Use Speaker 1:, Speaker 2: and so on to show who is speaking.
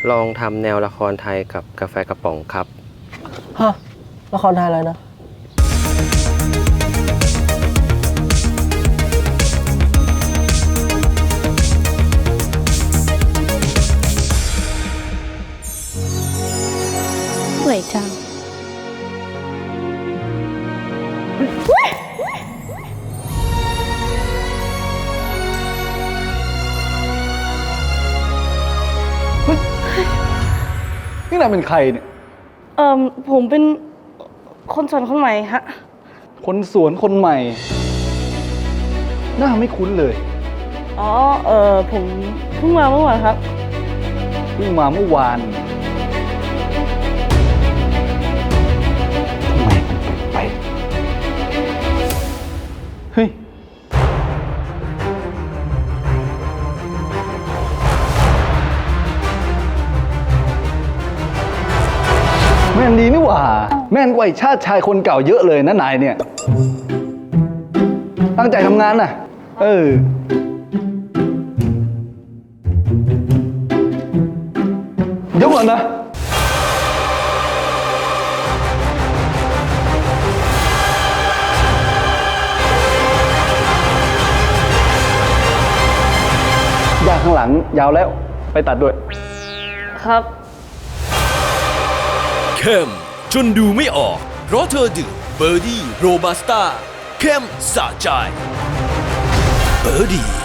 Speaker 1: ลองทำแนวละครไทยกับกาแฟกระป๋องครับ
Speaker 2: ฮะ ละครไทยอะไรนะ
Speaker 3: สวยจัง
Speaker 4: นี่นายเป็นใครเนี่ย
Speaker 2: ผมเป็นคนสอนคนใหม่ฮะ
Speaker 4: คนสวนคนใหม่ หน้าไม่คุ้นเลย
Speaker 2: อ๋อ ผมเพิ่งมาเมื่อวานครับ
Speaker 4: เพิ่งมาเมื่อวานทำไมมันแปลกๆเฮ้ย แม่นดีนี่หว่า แม่นกว่าไอ้ชาติชายคนเก่าเยอะเลยนะนายเนี่ย ตั้งใจทำงานน่ะ เดี๋ยวก่อนนะ ยางข้างหลังยาวแล้ว ไปตัดด้วย
Speaker 2: ครับ
Speaker 5: เข้มจนดูไม่ออก เพราะเธอดื่มเบอร์ดี้โรบัสต้าเข้มสะใจเบอร์ดี้